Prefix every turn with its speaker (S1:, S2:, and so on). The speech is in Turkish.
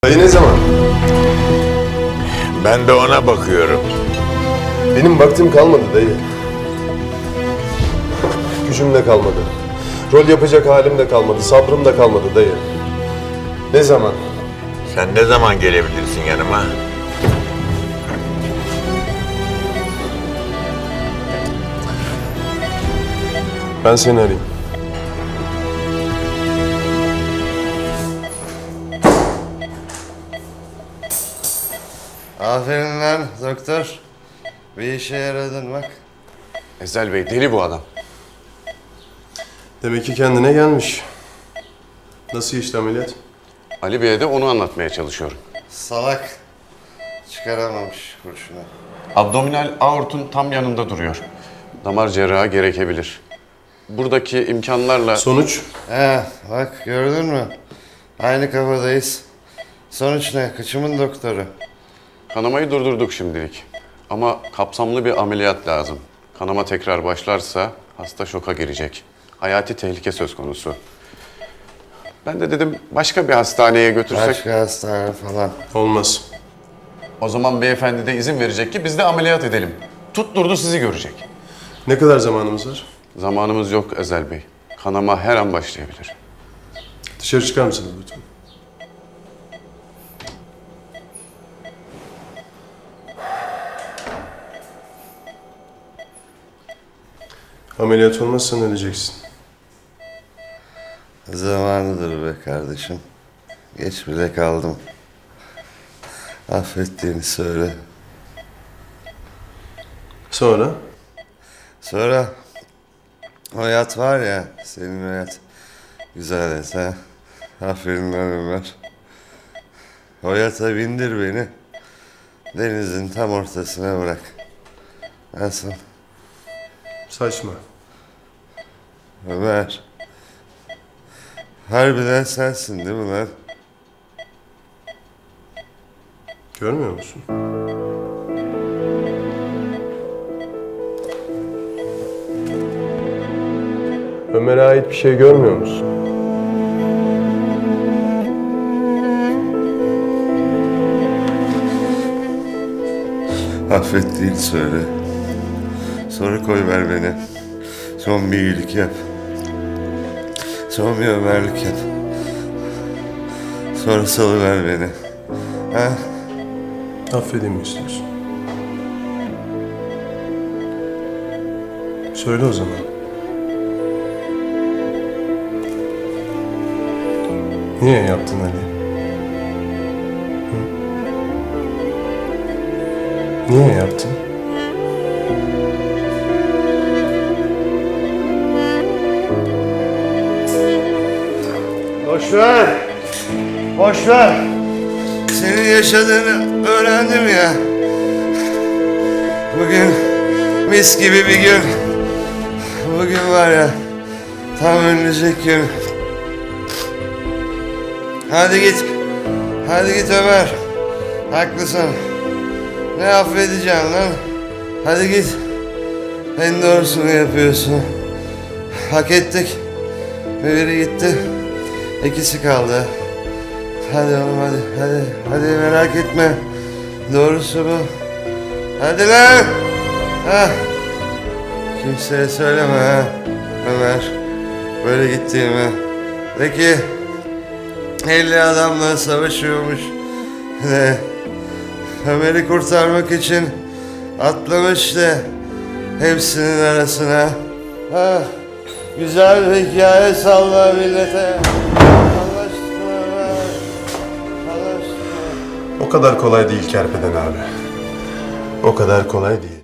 S1: Dayı ne zaman?
S2: Ben de ona bakıyorum.
S1: Benim vaktim kalmadı dayı. Gücüm de kalmadı. Rol yapacak halim de kalmadı, sabrım da kalmadı dayı. Ne zaman?
S2: Sen ne zaman gelebilirsin yanıma?
S1: Ben seni arayayım.
S3: Aferin lan doktor. Bir işe yaradın bak.
S4: Ezel Bey deli bu adam.
S1: Demek ki kendine gelmiş. Nasıl geçti ameliyat?
S4: Ali Bey'e de onu anlatmaya çalışıyorum.
S3: Salak. Çıkaramamış kurşunu.
S4: Abdominal aortun tam yanında duruyor. Damar cerrahı gerekebilir. Buradaki imkanlarla...
S1: Sonuç?
S3: Bak gördün mü? Aynı kafadayız. Sonuç ne? Kıçımın doktoru.
S4: Kanamayı durdurduk şimdilik. Ama kapsamlı bir ameliyat lazım. Kanama tekrar başlarsa hasta şoka girecek. Hayati tehlike söz konusu. Ben de dedim başka bir hastaneye götürsek...
S3: Başka hastane falan.
S1: Olmaz.
S4: O zaman beyefendi de izin verecek ki biz de ameliyat edelim. Tutturdu sizi görecek.
S1: Ne kadar zamanımız var?
S4: Zamanımız yok Ezel Bey. Kanama her an başlayabilir.
S1: Dışarı çıkar mısınız lütfen? Ameliyat olmazsan öleceksin.
S3: Zamanıdır be kardeşim. Geç bile kaldım. Affettiğini söyle.
S1: Sonra?
S3: Sonra o yat var ya, senin o yat. Güzel yat ha. Aferin lan Ömer. O yata bindir beni. Denizin tam ortasına bırak. Nasıl?
S1: Saçma.
S3: Ömer. Harbiden sensin değil mi lan?
S1: Görmüyor musun? Ömer'e ait bir şey görmüyor musun?
S3: Affettiğini söyle. Sonra koy ver beni. Son bir iyilik yap. Son bir Ömerlik yap. Sonra salıver beni. Ha?
S1: Affedeyim mi istiyorsun? Söyle o zaman. Niye yaptın Ali? Hı? Niye yaptın?
S3: Boş ver. Boş ver. Senin yaşadığını öğrendim ya. Bugün mis gibi bir gün. Bugün var ya, tam önümüzdeki gün. Hadi git. Hadi git Ömer. Haklısın. Ne affedeceğim lan? Hadi git. En doğrusunu yapıyorsun. Hak ettik. Biri gitti. İkisi kaldı. Hadi oğlum hadi. Hadi merak etme. Doğrusu bu. Hadi lan. Ha. Kimseye söyleme ha. Ömer. Böyle gittiğimi. De ki 50 adamla savaşıyormuş. De Ömer'i kurtarmak için atlamış da hepsinin arasına. Ha. Güzel bir hikaye salla millete. Allah aşkına Ömer. Allah aşkına.
S1: O kadar kolay değil Kerpeden abi. O kadar kolay değil.